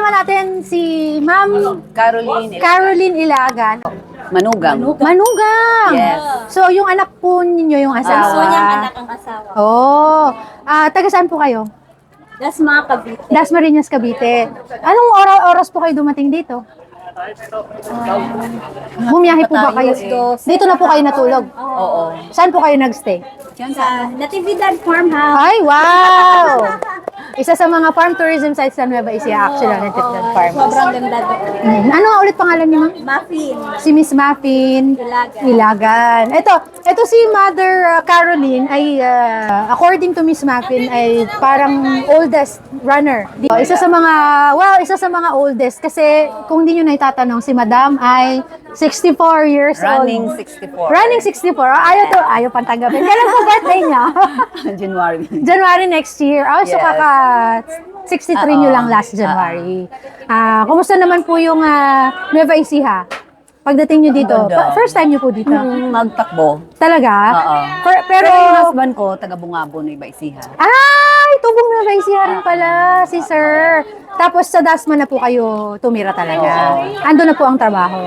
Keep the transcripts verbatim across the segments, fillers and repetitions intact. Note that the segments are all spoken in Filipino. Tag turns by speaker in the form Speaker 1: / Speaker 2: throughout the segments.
Speaker 1: kasama natin si Ma'am
Speaker 2: Caroline.
Speaker 1: Caroline Ilagan.
Speaker 2: Manugang.
Speaker 1: Manugang!
Speaker 2: Yes.
Speaker 1: So, yung anak po ninyo yung asawa?
Speaker 3: Gusto niyang anak ang asawa.
Speaker 1: Oh. Ah, taga saan po kayo?
Speaker 3: Das mga Cavite.
Speaker 1: Dasmariñas, Cavite. Anong ora oras po kayo dumating dito? Bumiyahe po ba kayo? Dito na po kayo natulog?
Speaker 2: Oo.
Speaker 1: Saan po kayo nagstay?
Speaker 3: Sa Natividad Farmhouse.
Speaker 1: Ay, wow! Isa sa mga farm tourism sites sa Nueva Ecija, actually, ang Natividad Farm.
Speaker 3: Sobrang ganda doon.
Speaker 1: Mm. Ano nga ulit pangalan niyo, ma'am?
Speaker 3: Muffin.
Speaker 1: Si Miss Muffin
Speaker 3: Ilagan.
Speaker 1: Ilagan. Ito, ito si Mother uh, Caroline ay uh, according to Miss Muffin ay parang oldest runner. Di- Isa sa mga well, isa sa mga oldest kasi kung hindi niyo na itatanong si Madam ay sixty-four years
Speaker 2: Running
Speaker 1: old.
Speaker 2: sixty-four.
Speaker 1: Running sixty-four. Ayaw to, ayaw pang tanggapin. Kailan po birthday niya?
Speaker 2: January.
Speaker 1: January next year. Oh, so
Speaker 2: Yes.
Speaker 1: kaka sixty-three nyo
Speaker 2: Oo.
Speaker 1: lang last January. Ah, kumusta naman po yung uh, Nueva Ecija? Pagdating nyo dito,
Speaker 2: Ganda.
Speaker 1: pa- first time nyo po dito?
Speaker 2: Mm, magtakbo.
Speaker 1: Talaga?
Speaker 2: Oo.
Speaker 1: Per- pero,
Speaker 2: Pero yung husband ko, taga Bungabo ng Iba-Isiha.
Speaker 1: ay, tubong Nueva Ecija rin pala, si sir. Tapos sa Dasma na po kayo tumira talaga. Ando na po ang trabaho.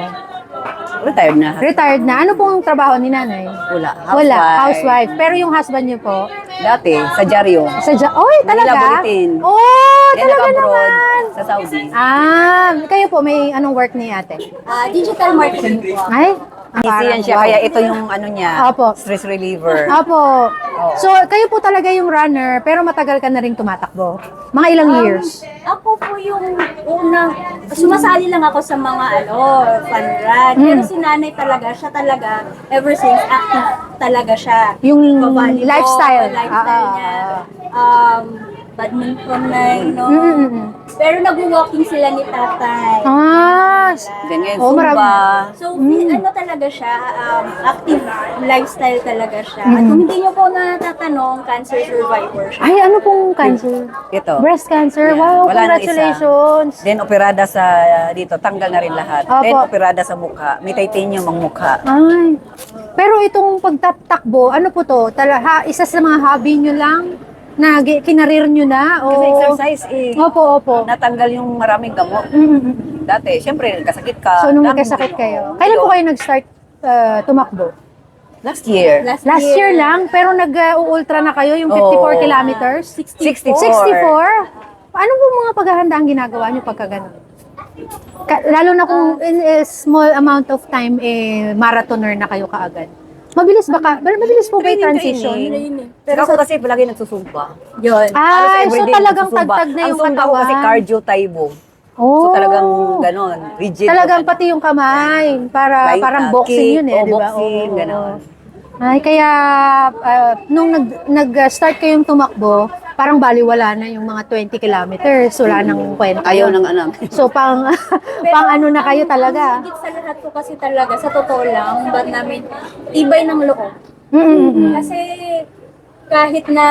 Speaker 2: Retired na.
Speaker 1: Retired na. Ano pong trabaho ni nanay?
Speaker 2: Wala.
Speaker 1: Wala, housewife. Pero yung husband nyo po,
Speaker 2: Dati, sa Jaryo.
Speaker 1: sa ja- Oy,
Speaker 2: Manila
Speaker 1: talaga?
Speaker 2: Bulletin.
Speaker 1: Oh,
Speaker 2: Yan
Speaker 1: talaga
Speaker 2: nag-abroad
Speaker 1: naman.
Speaker 2: sa Saudi.
Speaker 1: Ah, kayo po, may anong work ni ate?
Speaker 3: Ah, digital marketing po.
Speaker 1: Ay,
Speaker 2: Easy yan siya.
Speaker 1: wow.
Speaker 2: Kaya ito yung ano niya,
Speaker 1: Opo.
Speaker 2: stress reliever.
Speaker 1: Apo. So, kayo po talaga yung runner, pero matagal ka na rin tumatakbo. Mga ilang years?
Speaker 3: Ako po yung unang, sumasali lang ako sa mga ano, fun run.
Speaker 1: Mm.
Speaker 3: Pero si nanay talaga, siya talaga, ever since active talaga siya.
Speaker 1: Yung
Speaker 3: Babalibol,
Speaker 1: lifestyle.
Speaker 3: lifestyle
Speaker 1: Ah,
Speaker 3: niya.
Speaker 1: ah,
Speaker 3: Um, badminton na, you know.
Speaker 1: Mm, mm, mm.
Speaker 3: Pero nag-walking sila ni tatay.
Speaker 1: Ah,
Speaker 2: Ganyan,
Speaker 1: Oh, marami.
Speaker 2: Zumba.
Speaker 3: So, ano talaga siya, um, active lifestyle talaga siya. At
Speaker 1: Mm.
Speaker 3: kung hindi niyo po natatanong, cancer survivor siya.
Speaker 1: ay, ano pong cancer?
Speaker 2: Ito.
Speaker 1: Breast cancer.
Speaker 2: Yeah.
Speaker 1: Wow,
Speaker 2: Wala nang isa.
Speaker 1: congratulations.
Speaker 2: Then operada sa dito, tanggal na rin lahat.
Speaker 1: Opo.
Speaker 2: Then operada sa mukha. May titanium ang mukha.
Speaker 1: Ay. Pero itong pagtatakbo, ano po to? Tala, ha, isa sa mga hobby nyo lang? Na gi- kinarir nyo na? O...
Speaker 2: Kasi exercise eh.
Speaker 1: Opo, opo.
Speaker 2: Natanggal yung maraming gamot.
Speaker 1: Mm, mm, mm.
Speaker 2: Dati, syempre, nagkasakit ka.
Speaker 1: So, nung
Speaker 2: Dami
Speaker 1: nagkasakit
Speaker 2: mo.
Speaker 1: kayo, kailan po kayo nag-start uh, tumakbo?
Speaker 2: Last year.
Speaker 3: Last,
Speaker 1: Last year lang, pero nag-ultra na kayo, yung fifty-four
Speaker 2: Oo.
Speaker 1: kilometers?
Speaker 2: sixty-four.
Speaker 1: sixty-four? Ano po mga paghahanda ang ginagawa nyo pagka ganun? Ka- lalo na kung in a small amount of time, eh, marathoner na kayo kaagad. Mabilis ba ka? Mabilis po ba yung
Speaker 2: Training,
Speaker 1: transition?
Speaker 2: training. Pero ako kasi palagi nagsusumpa.
Speaker 3: Yun.
Speaker 1: Ay,
Speaker 2: Halos
Speaker 1: so
Speaker 2: everyday
Speaker 1: talagang
Speaker 2: nagsusumba.
Speaker 1: tagtag na yung
Speaker 2: Ang sumba ko kasi
Speaker 1: katawan.
Speaker 2: cardio taibo.
Speaker 1: Oh.
Speaker 2: So talagang ganon, rigid.
Speaker 1: Talagang pati yung kamay, para
Speaker 2: Like,
Speaker 1: parang
Speaker 2: uh,
Speaker 1: boxing
Speaker 2: kick,
Speaker 1: yun eh,
Speaker 2: oh,
Speaker 1: di ba?
Speaker 2: boxing,
Speaker 1: Oo.
Speaker 2: ganon.
Speaker 1: Ay, kaya ah, nung nag, nag-start kayong tumakbo, parang baliwala na yung mga twenty kilometers, wala nang kwenta.
Speaker 2: Ayaw
Speaker 1: yun.
Speaker 2: ng anak.
Speaker 1: So, pang, pang ano na kayo talaga.
Speaker 3: Ang higit sa lahat po kasi talaga, sa totoo lang, ba't namin tibay ng loob.
Speaker 1: Mm-mm.
Speaker 3: Kasi kahit na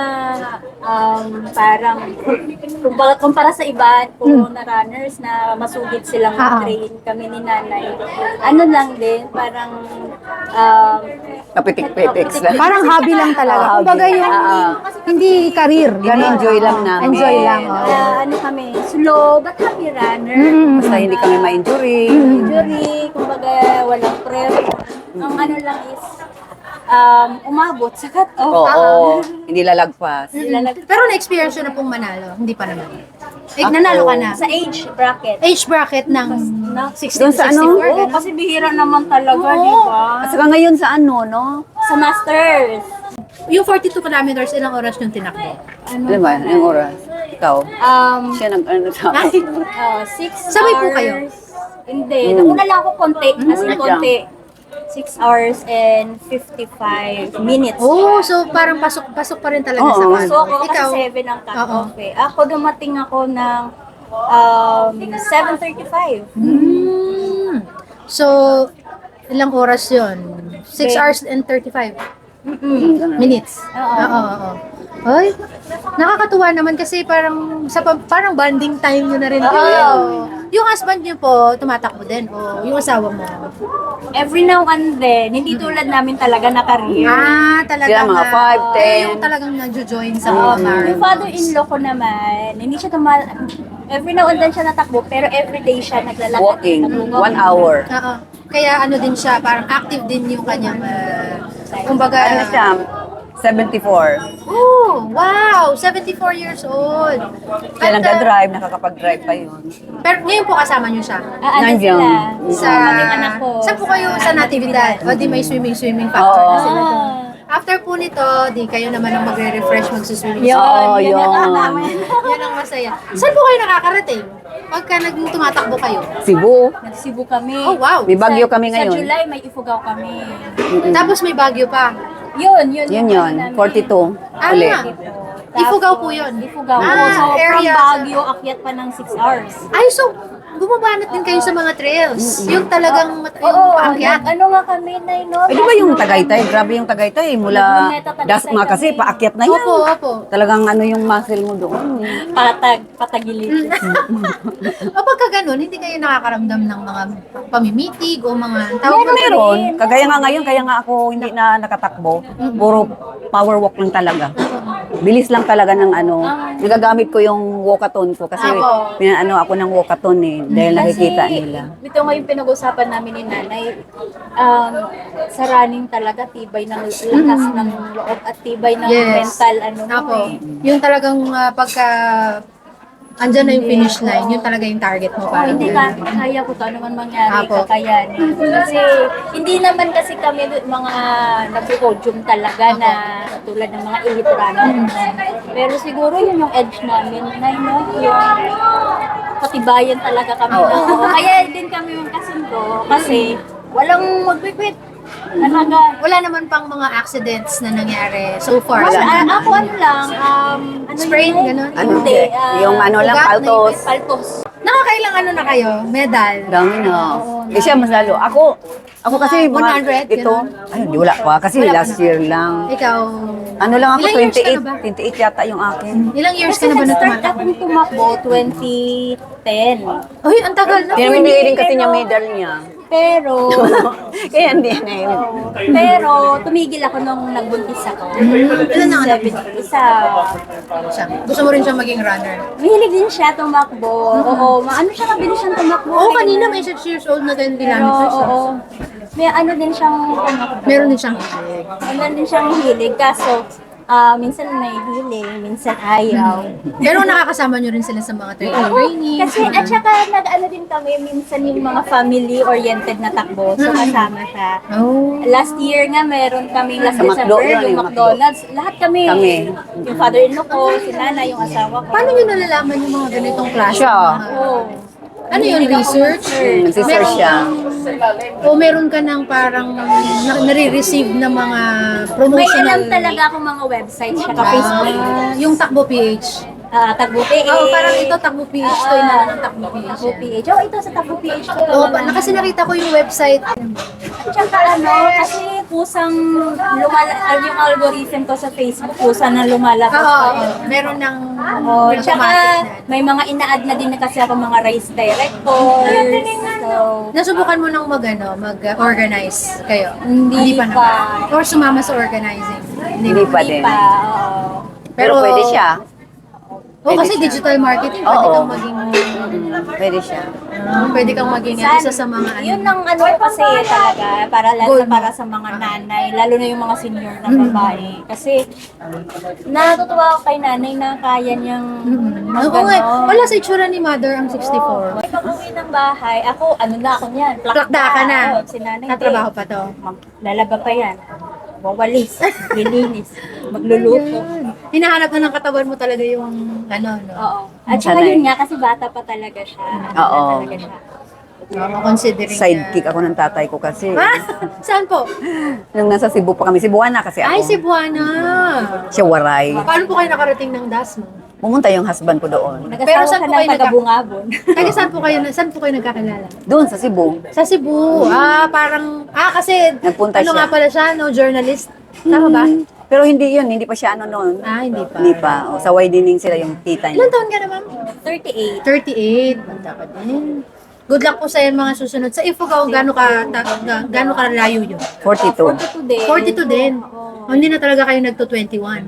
Speaker 3: um, parang kumpara, kumpara sa iba, puro na runners na masugid silang
Speaker 1: Ah, ah.
Speaker 3: train kami ni nanay. Ano lang din, parang um,
Speaker 2: Kapitik-pitik lang.
Speaker 1: Parang hobby lang talaga.
Speaker 2: Ah, hobby.
Speaker 1: Kumbaga yung
Speaker 2: Ah, ah.
Speaker 1: hindi career. ganun.
Speaker 2: enjoy lang namin.
Speaker 1: Enjoy lang. oo.
Speaker 3: ah, ano kami, slow but happy runner.
Speaker 1: Mm-mm.
Speaker 2: Basta hindi kami ma-injury.
Speaker 3: Injury, kumbaga walang pressure. Ang ano lang is um, umabot sa cut-off.
Speaker 2: Oo, hindi lalagpas.
Speaker 1: Pero na-experience yun na pong manalo. Hindi pa naman. Eh, nanalo ka na.
Speaker 3: Sa age bracket.
Speaker 1: Age bracket ng sixty
Speaker 2: Doon
Speaker 1: to
Speaker 2: sa ano?
Speaker 1: sixty-four.
Speaker 3: Oo,
Speaker 1: ganun.
Speaker 3: kasi bihira naman talaga, di ba?
Speaker 2: At saka ngayon sa ano, no?
Speaker 3: Sa masters.
Speaker 1: Yung forty-two kilometers, ilang oras yung tinakbo?
Speaker 3: Ano?
Speaker 2: Alam ba, yung oras? Ikaw?
Speaker 3: Um,
Speaker 2: Siya nag, ano sa
Speaker 1: Ay,
Speaker 3: uh, six
Speaker 1: Sabay po
Speaker 3: hours.
Speaker 1: kayo?
Speaker 3: Hindi.
Speaker 2: Mm.
Speaker 3: Nauna lang ako konti. As in
Speaker 2: Mm.
Speaker 3: konti. six hours and fifty-five minutes.
Speaker 1: oh, so parang pasok-pasok pa rin talaga
Speaker 2: Oo.
Speaker 1: sa
Speaker 3: So ako kasi
Speaker 1: Ikaw?
Speaker 3: seven ang cut-off eh. Ako dumating ako ng um, seven thirty-five.
Speaker 1: Hmm. So, ilang oras yun? six
Speaker 3: Okay.
Speaker 1: hours and thirty-five
Speaker 3: Mm-mm.
Speaker 1: minutes.
Speaker 3: Oo.
Speaker 1: Oo, oo. Ay, nakakatuwa naman kasi parang sa pa- parang bonding time nyo na rin kayo.
Speaker 3: Oo.
Speaker 1: Yung husband nyo po, tumatakbo din o yung asawa mo?
Speaker 3: Every now and then, hindi tulad namin talaga na career.
Speaker 1: Ah, talagang
Speaker 2: Sila mga
Speaker 1: ah,
Speaker 2: five, ten.
Speaker 1: Yung talagang nagjo-join sa
Speaker 3: Um,
Speaker 1: mga
Speaker 3: yung
Speaker 1: marathon.
Speaker 3: father-in-law ko naman, hindi siya tuma every now and then siya natakbo, pero everyday siya naglalakad.
Speaker 2: Walking,
Speaker 3: Nag-walking.
Speaker 2: one hour.
Speaker 1: Oo. Kaya ano din siya, parang active din yung kanyang, uh, kumbaga,
Speaker 2: Ano siya? seventy-four.
Speaker 1: Oh, wow! seventy-four years old.
Speaker 2: Siya
Speaker 1: At, uh,
Speaker 2: nagda-drive, nakakapag-drive pa yun.
Speaker 1: pero ngayon po kasama niyo siya.
Speaker 3: Ah, ano
Speaker 2: Nandiyan.
Speaker 3: sila?
Speaker 1: Sa,
Speaker 3: Kaming anak ko.
Speaker 1: saan po kayo sa Natividad? O di may swimming-swimming factor
Speaker 2: Oo.
Speaker 1: na sila doon.
Speaker 3: Ah.
Speaker 1: After po nito, di kayo naman ang magre-refresh, magsiswimming.
Speaker 3: Yun,
Speaker 2: Oo,
Speaker 3: yun
Speaker 2: yun.
Speaker 3: ang namin.
Speaker 1: Yan ang masaya. Saan po kayo nakakarating? Pagka nag tumatakbo kayo.
Speaker 2: Cebu.
Speaker 3: Nag-Cebu kami.
Speaker 1: Oh, wow.
Speaker 2: May bagyo kami
Speaker 3: Sa
Speaker 2: ngayon.
Speaker 3: July, may Ifugao kami.
Speaker 1: Tapos may bagyo pa.
Speaker 3: Yun, yun.
Speaker 2: Yun
Speaker 3: yung
Speaker 2: yun,
Speaker 3: ano namin.
Speaker 2: forty-two.
Speaker 1: Ah,
Speaker 2: Uli.
Speaker 1: Ifugao po yun.
Speaker 3: Ifugao.
Speaker 1: Ah,
Speaker 3: so, from
Speaker 1: area.
Speaker 3: Baguio, akyat pa ng six hours.
Speaker 1: Ay, so, bumabanat din kayo sa mga trails. Yung talagang mat- yung
Speaker 3: Oo,
Speaker 1: paakyat.
Speaker 3: ano nga kami na yun, no?
Speaker 2: Eh, di ba yung Tagaytay? Grabe yung Tagaytay. Mula
Speaker 3: Luneta, Tagaytay
Speaker 2: Dasma kasi,
Speaker 3: kami.
Speaker 2: paakyat na yan.
Speaker 1: Opo, opo.
Speaker 2: Talagang ano yung muscle mo doon.
Speaker 3: Patag, patagilid.
Speaker 1: O pagka ganun, hindi kayo nakakaramdam ng mga pamimitig o mga tawag
Speaker 3: Meron,
Speaker 1: mo-
Speaker 2: Meron. Kagaya nga ngayon, kaya nga ako hindi na nakatakbo. Puro power walk lang talaga. Bilis lang talaga ng ano. Nagagamit ko yung walkathon ko kasi
Speaker 1: Ako.
Speaker 2: pinaano ako ng walkathon eh. Dahil nakikita nila.
Speaker 3: Ito nga yung pinag-usapan namin ni nanay, um, sa running talaga, tibay ng lakas ng loob at tibay ng
Speaker 1: Yes.
Speaker 3: mental, ano mo
Speaker 1: Ako,
Speaker 3: eh.
Speaker 1: yung talagang ah, pagka andyan na yung finish line, yun talaga yung target mo.
Speaker 3: Oh,
Speaker 1: Parang
Speaker 3: hindi ka, kaya ko to, ano man mangyari,
Speaker 1: Apo.
Speaker 3: kakayanin. Kasi, hindi naman kasi kami mga nag-podium talaga na tulad ng mga elite runners. Pero siguro yun yung edge namin, na yun, no? yung katibayan talaga kami.
Speaker 2: Oo.
Speaker 3: Oo. Kaya din kami yung kasundo, kasi walang mag-quit. Talaga,
Speaker 1: wala naman pang mga accidents na nangyari so far.
Speaker 3: Wala,
Speaker 1: Sa-
Speaker 3: ah, ako ano lang, um, ano
Speaker 1: Sprain,
Speaker 3: yun?
Speaker 1: ganun?
Speaker 2: Ano,
Speaker 3: Hindi, ah,
Speaker 2: yung ano lang,
Speaker 1: ugat na
Speaker 2: paltos.
Speaker 3: paltos.
Speaker 1: Nakakailang ano na kayo? Medal?
Speaker 2: Dami na. Eh siya mas lalo. Ako, ako kasi
Speaker 1: one
Speaker 2: mga,
Speaker 1: hundred,
Speaker 2: ito,
Speaker 1: ganun?
Speaker 2: ay, di wala pa. Kasi
Speaker 1: Wala pa
Speaker 2: last
Speaker 1: na.
Speaker 2: year lang.
Speaker 1: Ikaw,
Speaker 2: Ano lang ako,
Speaker 1: Ilang years ka na
Speaker 2: twenty-eight.
Speaker 1: ba?
Speaker 2: twenty-eight yata yung akin.
Speaker 1: ilang years
Speaker 3: Kasi
Speaker 1: ka na ba na
Speaker 3: nag-start
Speaker 1: tumatakbo?
Speaker 3: akong tumakbo twenty ten.
Speaker 1: Uy, ang tagal na.
Speaker 2: Pinamimigay din kasi
Speaker 3: pero-
Speaker 2: niya medal niya.
Speaker 3: Pero,
Speaker 2: Kaya hindi na yun.
Speaker 3: pero tumigil ako nung nagbuntis ako.
Speaker 1: Ilan ang anak mo?
Speaker 3: Seven, isa.
Speaker 1: Siya. Gusto mo rin siya maging runner?
Speaker 3: Mahilig din siya tumakbo. Oo, maano siya, mabilis siyang tumakbo.
Speaker 1: Oo, kanina may six years old na din
Speaker 3: Pero,
Speaker 1: ginamit siya.
Speaker 3: oo. May ano din siyang tumakbo.
Speaker 1: Meron din siyang
Speaker 3: Meron din siyang hilig. Kaso, ah, minsan may hilig, minsan ayaw.
Speaker 1: Pero nakakasama nyo rin sila sa mga training. training.
Speaker 3: Kasi at saka nag-ano din kami minsan yung mga family-oriented na takbo. So kasama siya.
Speaker 1: Oh.
Speaker 3: Last year nga meron kaming last
Speaker 2: Sa
Speaker 3: December,
Speaker 2: McDo yun,
Speaker 3: yung
Speaker 2: yung
Speaker 3: McDonald's. Lahat kami.
Speaker 2: Kami.
Speaker 3: Yung father-in-law ko, si nanay, yung asawa ko.
Speaker 1: Paano nyo nalalaman yung mga ganitong klase?
Speaker 2: Siya.
Speaker 1: Mga-
Speaker 3: Oo.
Speaker 1: Ano yun, research?
Speaker 2: Hmm, nagsisearch siya.
Speaker 1: O meron ka ng parang na- nare-receive na mga
Speaker 3: May
Speaker 1: promotional...
Speaker 3: alam talaga akong mga websites siya ka-Facebook.
Speaker 1: Ah, yung Takbo P H.
Speaker 3: Ah, Tagbo P H.
Speaker 1: Oo, parang ito Takbo P H. Ito yung nalang ng Takbo P H.
Speaker 3: Tagbo P H. Oh, ito sa Tagbo P H ko.
Speaker 1: Oo, pa- kasi nakita ko yung website.
Speaker 3: At saka ano, kasi kusang lumala, ah, yung algorithm ko sa Facebook, kusa na lumalabas
Speaker 1: Oo,
Speaker 3: pa
Speaker 1: oo.
Speaker 3: yun.
Speaker 1: Meron ng
Speaker 3: Oh, tsaka
Speaker 1: automatic na.
Speaker 3: may mga ina-add na din na kasi ako mga race directors. So,
Speaker 1: Nasubukan mo nang mag, ano, mag-organize kayo?
Speaker 3: Hindi
Speaker 1: pa.
Speaker 3: pa.
Speaker 1: naman. Or sumama sa organizing?
Speaker 2: Hindi pa
Speaker 3: hindi
Speaker 2: din.
Speaker 3: pa. Oo.
Speaker 2: Pero pwede siya.
Speaker 1: Oo,
Speaker 2: Pwede
Speaker 1: kasi
Speaker 2: siya.
Speaker 1: digital marketing, pwede
Speaker 2: Oo.
Speaker 1: kang maging...
Speaker 2: Pwede siya.
Speaker 1: ah, pwede kang maging
Speaker 3: San-
Speaker 1: isa sa mga...
Speaker 3: Yun ang ano ko kasi talaga, para lalo
Speaker 1: Goal
Speaker 3: na
Speaker 1: mo.
Speaker 3: para sa mga nanay, lalo na yung mga senior na babae. Kasi natutuwa ako kay nanay na kaya niyang
Speaker 1: Oo nga, wala sa itsura ni mother ang sixty-four.
Speaker 3: Ay, pag-uwi ng bahay, ako, ano na ako niyan,
Speaker 1: Plakda ka na.
Speaker 3: Oo, si nanay,
Speaker 1: Natrabaho
Speaker 3: hindi.
Speaker 1: pa to.
Speaker 3: Mag- Lalaba pa yan. Wawalis, lilinis, magluluto.
Speaker 1: Hinahanap na ng katawan mo talaga yung ano, no?
Speaker 3: Oo. At saka
Speaker 2: Sanay.
Speaker 3: yun nga, kasi bata pa talaga siya. Bata
Speaker 2: Oo.
Speaker 3: talaga siya.
Speaker 1: Oo, considering
Speaker 2: Sidekick ako ng tatay ko kasi.
Speaker 1: Ha? Saan po?
Speaker 2: Nung nasa Cebu pa kami, Cebuana kasi ako.
Speaker 1: Ay, Cebuana.
Speaker 2: Siya waray.
Speaker 1: Paano po kayo nakarating ng Dasma?
Speaker 2: Pumunta yung husband ko doon.
Speaker 1: Pero
Speaker 3: Nag-asawa
Speaker 1: saan
Speaker 3: ka
Speaker 1: po
Speaker 3: ng
Speaker 1: kayo nagka-
Speaker 3: taga-bungabon.
Speaker 1: Taga saan po kayo, saan po kayo nagkakilala?
Speaker 2: Doon sa Cebu.
Speaker 1: Sa Cebu. Ah, parang, ah, kasi,
Speaker 2: Nagpunta
Speaker 1: ano
Speaker 2: siya.
Speaker 1: nga pala siya, no, journalist. Tama ba?
Speaker 2: Mm. Pero hindi yun, hindi pa siya ano noon.
Speaker 1: Ah, hindi pa.
Speaker 2: Hindi pa. O, sa widening sila yung tita
Speaker 1: Ilan
Speaker 2: niya.
Speaker 1: taon ka na, ma'am?
Speaker 3: thirty-eight.
Speaker 1: thirty-eight. Banda ka din. Good luck po sa yan mga susunod. Sa Ifugao, gano'n ka, ta, ga- gano'n ka layo yun?
Speaker 2: forty-two.
Speaker 3: forty-two din.
Speaker 1: forty-two din.
Speaker 3: Oo.
Speaker 1: Oh, hindi na talaga kayo nagto twenty-one.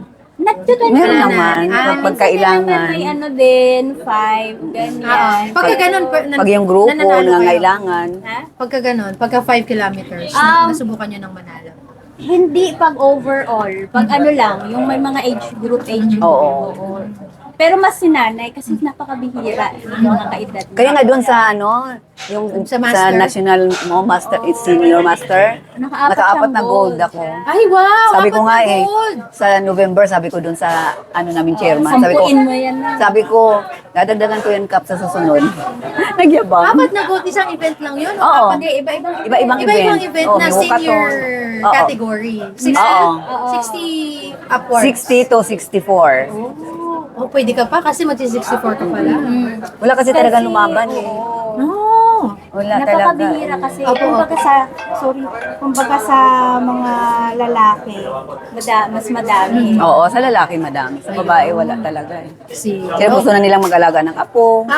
Speaker 3: Nagtutunan
Speaker 2: Meron
Speaker 3: na.
Speaker 2: naman,
Speaker 3: Ah,
Speaker 2: kapag
Speaker 3: minsan
Speaker 2: kailangan.
Speaker 3: naman May ano din, five,
Speaker 1: Oo.
Speaker 3: ganyan.
Speaker 1: Pagka ganun, pa- nan-
Speaker 2: Pag yung grupo,
Speaker 1: nananalo kayo.
Speaker 2: nangangailangan.
Speaker 3: Ha?
Speaker 1: Pagka ganun, pagka five kilometers,
Speaker 3: Um,
Speaker 1: nasubukan nyo ng manalo.
Speaker 3: Hindi pag overall. Pag ano lang, yung may mga age group, age group.
Speaker 2: Oo.
Speaker 3: Oo. Pero mas sinanay kasi napakabihira yung mga kaedad.
Speaker 2: Kaya nga doon sa ano, yung
Speaker 1: Sa
Speaker 2: sa,
Speaker 1: master?
Speaker 2: national mo, master, it's senior master,
Speaker 3: Nakaapat
Speaker 2: nakaapat
Speaker 3: siyang
Speaker 2: na gold
Speaker 3: gold.
Speaker 2: ako.
Speaker 1: Ay, wow!
Speaker 2: Sabi ko
Speaker 1: apat
Speaker 2: nga
Speaker 1: na
Speaker 2: eh,
Speaker 1: gold.
Speaker 2: sa November, sabi ko doon sa ano namin chairman, sabi ko,
Speaker 3: Sampuin mo yan na.
Speaker 2: sabi ko, dadagdagan ko yung cup sa susunod. Nagyabang.
Speaker 1: Apat na gold, isang event lang yun?
Speaker 2: Oo.
Speaker 3: Hindi, iba-ibang
Speaker 2: Iba-ibang
Speaker 1: Iba-ibang
Speaker 2: event.
Speaker 1: event
Speaker 2: Oo,
Speaker 1: na
Speaker 2: may
Speaker 1: senior
Speaker 2: walkathon. Oo.
Speaker 1: category. sixty,
Speaker 2: Oo.
Speaker 1: sixty upwards.
Speaker 2: sixty to sixty-four.
Speaker 1: Oh, pwede ka pa kasi magsi-sixty-four ka pala.
Speaker 2: Wala kasi talaga lumaban eh.
Speaker 1: No.
Speaker 2: Wala talaga.
Speaker 3: Napakabihira kasi.
Speaker 1: Opo,
Speaker 3: Kumbaga sa, sorry, kumbaga sa mga lalaki, mada, mas madami.
Speaker 2: Oo, sa lalaki madami. Sa babae wala talaga eh.
Speaker 1: Si...
Speaker 2: Kaya gusto na nilang mag-alaga ng apo,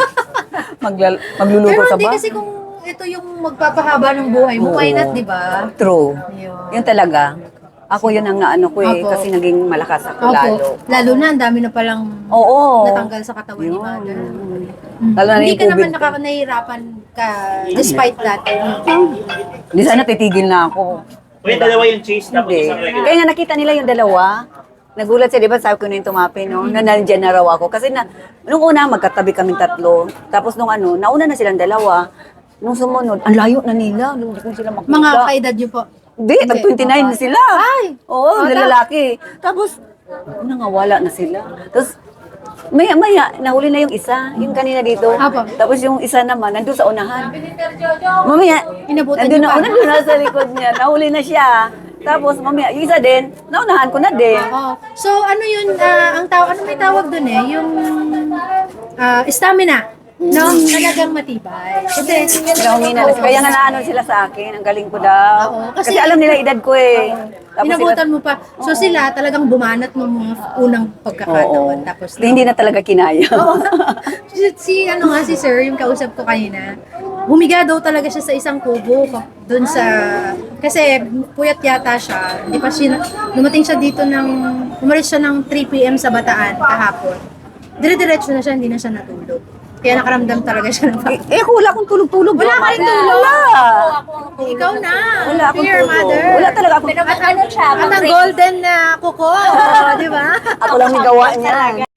Speaker 2: maglal- magluluto
Speaker 1: Pero
Speaker 2: sa
Speaker 1: hindi
Speaker 2: bahay.
Speaker 1: kasi kung ito yung magpapahaba ng buhay mo, why not,
Speaker 2: Oo.
Speaker 1: di ba?
Speaker 2: True.
Speaker 1: Yun.
Speaker 2: Yun talaga. Ako yun ang naano ko eh,
Speaker 1: Opo.
Speaker 2: kasi naging malakas ako
Speaker 1: Opo.
Speaker 2: lalo.
Speaker 1: Lalo na, ang dami na palang
Speaker 2: Oo.
Speaker 1: natanggal sa katawan ni
Speaker 2: Yun.
Speaker 1: mother.
Speaker 2: Lalo na
Speaker 1: Hindi
Speaker 2: yung
Speaker 1: ka naman
Speaker 2: COVID.
Speaker 1: nakaka nahihirapan ka despite that.
Speaker 2: Hindi sana titigil na ako.
Speaker 4: O yung dalawa yung cheese tapos
Speaker 2: Hindi.
Speaker 4: isang regular.
Speaker 2: Kaya nga nakita nila yung dalawa. Nagulat siya, di ba? Sabi ko na yung tumapi, no? Na nandyan na raw ako. Kasi na, nung una, magkatabi kaming tatlo. Tapos nung ano, nauna na silang dalawa. Nung sumunod, ang layo na nila. Hindi ko sila makita.
Speaker 1: Mga kaedad niyo po.
Speaker 2: Hindi, tag twenty-nine na sila.
Speaker 1: Ay!
Speaker 2: Oo,
Speaker 1: Oh,
Speaker 2: na
Speaker 1: ta-
Speaker 2: lalaki. Tapos, nangawala na sila. Tapos, maya, maya, nahuli na yung isa, yung kanina dito.
Speaker 1: Apo.
Speaker 2: Tapos yung isa naman, nandun sa unahan. Mamaya,
Speaker 1: Inabutan
Speaker 2: nandun
Speaker 1: niyo
Speaker 2: na,
Speaker 1: pa.
Speaker 2: nandun na sa likod niya. Nahuli na siya. Tapos, mamaya, yung isa din, naunahan ko na din.
Speaker 1: Oh. So ano yun, ah, ang tawag, ano may tawag dun eh? Yung ah, stamina. No? Talagang matibay. Kasi,
Speaker 2: Kaya humina na sila. Kaya nga naano sila sa akin, ang galing ko daw.
Speaker 1: Oo,
Speaker 2: kasi,
Speaker 1: kasi-
Speaker 2: alam nila edad ko eh. Tapos
Speaker 1: inabutan mo pa. So sila talagang bumanat ng mga unang
Speaker 2: Oo.
Speaker 1: pagkakataon. Tapos,
Speaker 2: Hindi na talaga kinaya.
Speaker 1: si, si, ano nga, si sir, yung kausap ko kanina, humiga daw talaga siya sa isang kubo doon sa, kasi puyat yata siya. Di pa siya, dumating siya dito ng, umalis siya ng three p.m. sa Bataan kahapon. Dire-diretso na siya, hindi na siya natulog. Kaya nakaramdam talaga siya ng
Speaker 2: eh, ako wala akong tulog-tulog.
Speaker 1: Wala ka rin tulog?
Speaker 2: Wala.
Speaker 1: Ikaw na.
Speaker 2: Wala akong
Speaker 1: Dear
Speaker 2: tulog.
Speaker 1: mother.
Speaker 2: Wala talaga akong
Speaker 3: Pero ano siya,
Speaker 1: At ang
Speaker 3: mag-break.
Speaker 1: golden na kuko, di ba?
Speaker 2: Ako lang may gawa niya.